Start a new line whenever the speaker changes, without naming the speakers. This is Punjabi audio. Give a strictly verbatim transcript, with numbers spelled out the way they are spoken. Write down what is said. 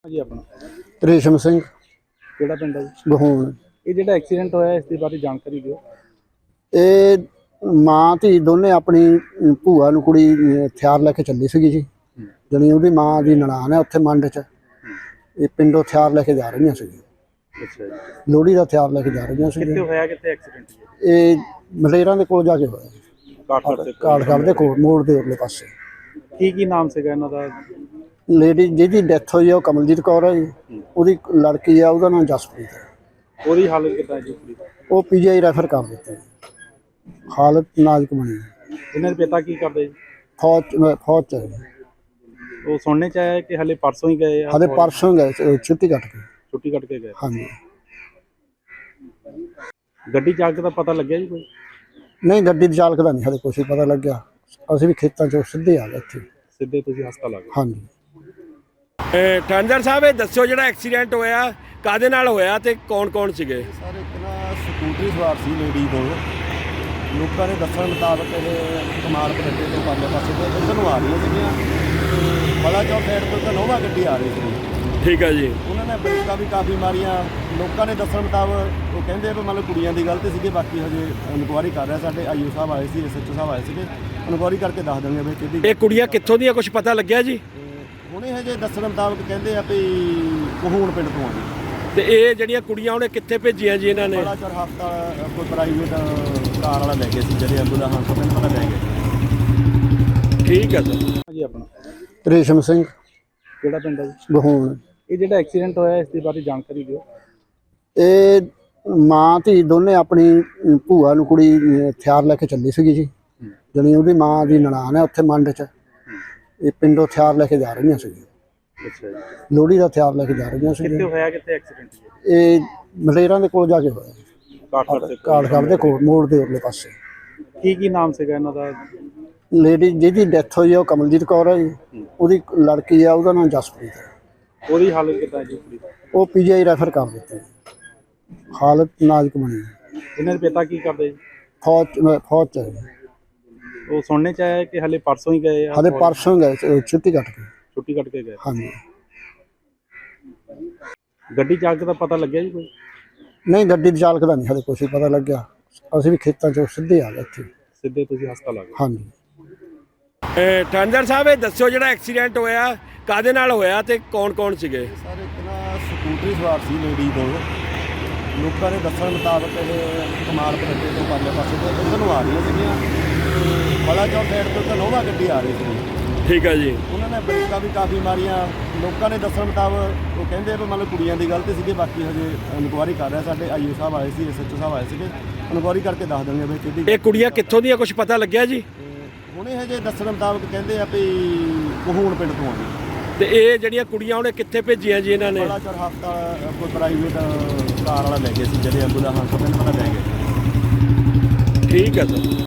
ਜੀ ਆਪਣਾ
ਰੇਸ਼ਮ ਸਿੰਘ
ਕਿਹੜਾ ਪਿੰਡ ਹੈ ਜੀ?
ਗਹੂਣ।
ਇਹ ਜਿਹੜਾ ਐਕਸੀਡੈਂਟ ਹੋਇਆ ਇਸ ਦੇ ਬਾਰੇ ਜਾਣਕਾਰੀ ਦਿਓ।
ਇਹ ਮਾਂ ਧੀ ਦੋਨੇ ਆਪਣੀ ਅਮ, ਭੂਆ ਨੂੰ ਕੁੜੀ ਅਮ, ਹਥਿਆਰ ਲੈ ਕੇ ਚੱਲੀ ਸੀਗੀ ਜੀ। ਜਣੀ ਉਹਦੀ ਮਾਂ ਦੀ ਨਨਾਣ ਹੈ ਉੱਥੇ ਮੰਡ 'ਚ। ਇਹ ਪਿੰਡੋਂ ਹਥਿਆਰ ਲੈ ਕੇ ਜਾ ਰਹੀਆਂ ਸੀ,
ਅੱਛਾ ਜੀ,
ਲੋਹੜੀ ਦਾ ਹਥਿਆਰ ਲੈ ਕੇ ਜਾ ਰਹੀਆਂ ਸੀ।
ਕਿੱਥੇ ਹੋਇਆ ਕਿੱਥੇ ਐਕਸੀਡੈਂਟ ਜੀ?
ਇਹ ਮਲੇਰਾਂ ਦੇ ਕੋਲ ਜਾ ਕੇ ਹੋਇਆ,
ਕਾਠਗੜ੍ਹ ਦੇ ਕੋਲ।
ਕਾਠਗੜ੍ਹ ਦੇ ਕੋਲ ਮੋੜ ਦੇ ਉਰਲੇ ਪਾਸੇ।
ਕੀ ਕੀ ਨਾਮ ਸੀਗਾ ਇਹਨਾਂ ਦਾ?
ਲੇਡੀ ਜਿਹਦੀ ਡੈਥ ਹੋਈ ਆ ਉਹ ਕਮਲਜੀਤ ਕੌਰ ਹੈ ਜੀ। ਉਹਦੀ ਲੜਕੀ ਆ, ਉਹਦਾ ਨਾਮ ਜਸਪ੍ਰੀਤ ਹੈ।
ਉਹਦੀ ਹਾਲਤ ਕਿੱਦਾਂ ਹੈ ਜੀ ਕੁੜੀ ਦੀ?
ਉਹ ਪੀਜੀਆਈ ਰੈਫਰ ਕਰ ਦਿੱਤੇ, ਹਾਲਤ ਨਾਜ਼ੁਕ ਬਣੀ ਹੈ।
ਇਹਨਾਂ ਦੇ ਪਿਤਾ ਕੀ ਕਰਦੇ ਜੀ?
ਫੌਜ 'ਚ- ਫੌਜ ਚ ਹੈ ਜੀ।
ਉਹ ਸੁਣਨੇ ਚ ਆਇਆ ਕਿ ਹਲੇ ਪਰਸੋਂ ਹੀ ਗਏ ਆ?
ਹਲੇ ਪਰਸੋਂ ਗਏ ਸੀ, ਛੁੱਟੀ ਕੱਟ ਕੇ।
ਛੁੱਟੀ ਕੱਟ ਕੇ ਗਏ।
ਹਾਂਜੀ,
ਗੱਡੀ ਚਾਲਕ ਦਾ ਪਤਾ ਲੱਗਿਆ ਜੀ ਕੋਈ?
ਨਹੀਂ ਗੱਡੀ ਦੇ ਚਾਲਕ ਦਾ ਨਹੀਂ ਹਲੇ ਕੁਛ ਵੀ ਪਤਾ ਲੱਗਿਆ। ਅਸੀਂ ਵੀ ਖੇਤਾਂ 'ਚੋਂ ਸਿੱਧੇ ਆ ਗਏ ਇੱਥੇ।
ਸਿੱਧੇ ਤੁਸੀਂ ਹਸਪਤਾਲ ਆ ਗਏ?
ਹਾਂਜੀ।
ਠਾਣੇਦਾਰ ਸਾਹਿਬ, ਇਹ ਦੱਸਿਓ ਜਿਹੜਾ ਐਕਸੀਡੈਂਟ ਹੋਇਆ ਕਾਹਦੇ ਨਾਲ ਹੋਇਆ ਤੇ ਕੌਣ ਕੌਣ ਸੀਗੇ?
ਸਰ ਇੱਕ ਨਾ ਸਕੂਟਰੀ ਸਵਾਰ ਸੀ ਲੇਡੀ ਕੋਲ। ਲੋਕਾਂ ਦੇ ਦੱਸਣ ਮੁਤਾਬਕ ਇਹ ਕਮਾਲ ਪਰੱਡੇ ਤੋਂ ਪਰਲੇ ਪਾਸੇ ਤੋਂ ਇੱਧਰ ਨੂੰ ਆ ਰਹੀਆਂ ਸੀਗੀਆਂ। ਬੜਾ ਚੌਕ ਸਾਈਡ ਤੋਂ ਤਾਂ ਨੋਵਾ ਗੱਡੀ ਆ ਰਹੀ ਸੀ।
ਠੀਕ ਹੈ ਜੀ।
ਉਹਨਾਂ ਨੇ ਬ੍ਰੇਕਾਂ ਵੀ ਕਾਫੀ ਮਾਰੀਆਂ। ਲੋਕਾਂ ਦੇ ਦੱਸਣ ਮੁਤਾਬਕ ਉਹ ਕਹਿੰਦੇ ਵੀ ਮਤਲਬ ਕੁੜੀਆਂ ਦੀ ਗਲਤੀ ਸੀਗੀ। ਬਾਕੀ ਹਜੇ ਇਨਕੁਆਇਰੀ ਕਰ ਰਿਹਾ। ਸਾਡੇ ਆਈਓ ਸਾਹਿਬ ਆਏ ਸੀ, ਐਸਐਚਓ ਸਾਹਿਬ ਆਏ ਸੀਗੇ। ਇਨਕੁਆਇਰੀ ਕਰਕੇ ਦੱਸ ਦੇਣਗੇ ਵੀ ਕਿਹਦੀ।
ਇਹ ਕੁੜੀਆਂ ਕਿੱਥੋਂ ਦੀਆਂ ਕੁਝ ਪਤਾ ਲੱਗਿਆ ਜੀ?
ਹੁਣੇ ਹਜੇ ਦੱਸਣ ਮੁਤਾਬਕ ਕਹਿੰਦੇ ਆ ਵੀ ਕਹੂਣ ਪਿੰਡ ਤੋਂ ਆ ਜੀ।
ਤੇ ਇਹ ਜਿਹੜੀਆਂ ਕੁੜੀਆਂ ਉਹਨੇ ਕਿੱਥੇ ਭੇਜੀਆਂ ਜੀ ਇਹਨਾਂ ਨੇ?
ਬੜਾ ਚੌਰ ਹਸਪਤਾਲ ਕੋਈ ਪ੍ਰਾਈਵੇਟ ਕਾਰ ਵਾਲਾ ਲੈ ਗਿਆ ਸੀ, ਜਿਹੜੇ ਐਂਬੂਲੈਂਸ ਹਸਪਤਾਲ ਪਤਾ ਲੈ ਗਏ।
ਠੀਕ ਹੈ ਸਰ।
ਜੀ ਆਪਣਾ
ਰੇਸ਼ਮ ਸਿੰਘ
ਕਿਹੜਾ ਪਿੰਡ ਹੈ ਜੀ?
ਗਹੂਣ।
ਇਹ ਜਿਹੜਾ ਐਕਸੀਡੈਂਟ ਹੋਇਆ ਇਸ ਦੇ ਬਾਰੇ ਜਾਣਕਾਰੀ ਦਿਓ।
ਇਹ ਮਾਂ ਧੀ ਦੋਨੇ ਆਪਣੀ ਅਮ, ਭੂਆ ਨੂੰ ਕੁੜੀ ਅਮ, ਹਥਿਆਰ ਲੈ ਕੇ ਚੱਲੀ ਸੀਗੀ ਜੀ। ਜਣੀ ਉਹਦੀ ਮਾਂ ਦੀ ਨਨਾਣ ਹੈ ਉੱਥੇ ਮੰਡ 'ਚ। ਇਹ ਪਿੰਡੋਂ ਹਥਿਆਰ ਲੈ ਕੇ ਜਾ ਰਹੀਆਂ ਸੀ,
ਅੱਛਾ ਜੀ,
ਲੋਹੜੀ ਦਾ ਹਥਿਆਰ ਲੈ ਕੇ ਜਾ ਰਹੀਆਂ ਸੀ।
ਕਿੱਥੇ ਹੋਇਆ ਕਿੱਥੇ ਐਕਸੀਡੈਂਟ ਜੀ?
ਇਹ ਮਲੇਰਾਂ ਦੇ ਕੋਲ ਜਾ ਕੇ ਹੋਇਆ,
ਕਾਠਗੜ੍ਹ ਦੇ ਕੋਲ।
ਕਾਠਗੜ੍ਹ ਦੇ ਕੋਲ ਮੋੜ ਦੇ ਉਰਲੇ ਪਾਸੇ।
ਕੀ ਕੀ ਨਾਮ ਸੀਗਾ ਇਹਨਾਂ ਦਾ?
ਲੇਡੀ ਜਿਹਦੀ ਡੈਥ ਹੋਈ ਆ ਉਹ ਕਮਲਜੀਤ ਕੌਰ ਹੈ ਜੀ। ਉਹਦੀ ਲੜਕੀ ਆ, ਉਹਦਾ ਨਾਮ ਜਸਪ੍ਰੀਤ ਹੈ।
ਉਹਦੀ ਹਾਲਤ ਕਿੱਦਾਂ ਹੈ ਜੀ ਕੁੜੀ ਦੀ?
ਉਹ ਪੀਜੀਆਈ ਰੈਫਰ ਕਰ ਦਿੱਤੇ, ਹਾਲਤ ਨਾਜ਼ੁਕ ਬਣੀ ਹੈ।
ਇਹਨਾਂ ਦੇ ਪਿਤਾ ਕੀ ਕਰਦੇ ਜੀ?
ਫੌਜ 'ਚ- ਫੌਜ ਚ ਹੈ ਜੀ।
ਉਹ ਸੁਣਨੇ ਚ ਆਇਆ ਕਿ ਹਲੇ ਪਰਸੋਂ ਹੀ ਗਏ ਆ?
ਹਲੇ ਪਰਸੋਂ ਗਏ ਸੀ, ਛੁੱਟੀ ਕੱਟ ਕੇ।
ਛੁੱਟੀ ਕੱਟ ਕੇ ਗਏ।
ਹਾਂਜੀ,
ਗੱਡੀ ਚਾਲਕ ਦਾ ਪਤਾ ਲੱਗਿਆ ਜੀ ਕੋਈ?
ਨਹੀਂ ਗੱਡੀ ਦੇ ਚਾਲਕ ਦਾ ਨਹੀਂ ਹਲੇ ਕੁਛ ਵੀ ਪਤਾ ਲੱਗਿਆ। ਅਸੀਂ ਵੀ ਖੇਤਾਂ 'ਚੋਂ ਸਿੱਧੇ ਆ ਗਏ ਇੱਥੇ।
ਸਿੱਧੇ ਤੁਸੀਂ ਹਸਪਤਾਲ ਆ ਗਏ?
ਹਾਂਜੀ।
ਠਾਣੇਦਾਰ ਸਾਹਿਬ, ਇਹ ਦੱਸਿਓ ਜਿਹੜਾ ਐਕਸੀਡੈਂਟ ਹੋਇਆ ਕਾਹਦੇ ਨਾਲ ਹੋਇਆ ਤੇ ਕੌਣ ਕੌਣ ਸੀਗੇ?
ਸਰ ਇੱਕ ਨਾ ਸਕੂਟਰੀ ਸਵਾਰ ਸੀ ਲੇਡੀ ਕੋਲ। ਲੋਕਾਂ ਦੇ ਦੱਸਣ ਮੁਤਾਬਕ ਇਹ ਕਮਾਲ ਪਰੱਡੇ ਤੋਂ ਪਰਲੇ ਪਾਸੇ ਤੋਂ ਇੱਧਰ ਨੂੰ ਆ ਰਹੀਆਂ ਸੀਗੀਆਂ। ਬੜਾ ਚੌਕ ਸਾਈਡ ਤੋਂ ਤਾਂ ਨੋਵਾ ਗੱਡੀ ਆ ਰਹੀ ਸੀ।
ਠੀਕ ਹੈ ਜੀ।
ਉਹਨਾਂ ਨੇ ਬ੍ਰੇਕਾਂ ਵੀ ਕਾਫੀ ਮਾਰੀਆਂ। ਲੋਕਾਂ ਦੇ ਦੱਸਣ ਮੁਤਾਬਕ ਉਹ ਕਹਿੰਦੇ ਵੀ ਮਤਲਬ ਕੁੜੀਆਂ ਦੀ ਗਲਤੀ ਸੀਗੀ। ਬਾਕੀ ਹਜੇ ਇਨਕੁਆਇਰੀ ਕਰ ਰਿਹਾ। ਸਾਡੇ ਆਈਓ ਸਾਹਿਬ ਆਏ ਸੀ, ਐਸਐਚਓ ਸਾਹਿਬ ਆਏ ਸੀਗੇ। ਇਨਕੁਆਇਰੀ ਕਰਕੇ ਦੱਸ ਦੇਣਗੇ ਵੀ ਕਿਹਦੀ।
ਇਹ ਕੁੜੀਆਂ ਕਿੱਥੋਂ ਦੀਆਂ ਕੁਝ ਪਤਾ ਲੱਗਿਆ ਜੀ?
ਹੁਣੇ ਹਜੇ ਦੱਸਣ ਮੁਤਾਬਕ ਕਹਿੰਦੇ ਆ ਵੀ ਕਹੂਣ ਪਿੰਡ ਤੋਂ ਆ ਜੀ।
ਤੇ ਇਹ ਜਿਹੜੀਆਂ ਕੁੜੀਆਂ ਉਹਨੇ ਕਿੱਥੇ ਭੇਜੀਆਂ ਜੀ ਇਹਨਾਂ ਨੇ?
ਬੜਾ ਚੌਰ ਹਸਪਤਾਲ ਕੋਈ ਪ੍ਰਾਈਵੇਟ ਕਾਰ ਵਾਲਾ ਲੈ ਗਿਆ ਸੀ, ਜਿਹੜੇ ਐਂਬੂਲੈਂਸ ਹਸਪਤਾਲ ਪਤਾ ਲੈ ਗਏ।
ਠੀਕ ਹੈ ਸਰ।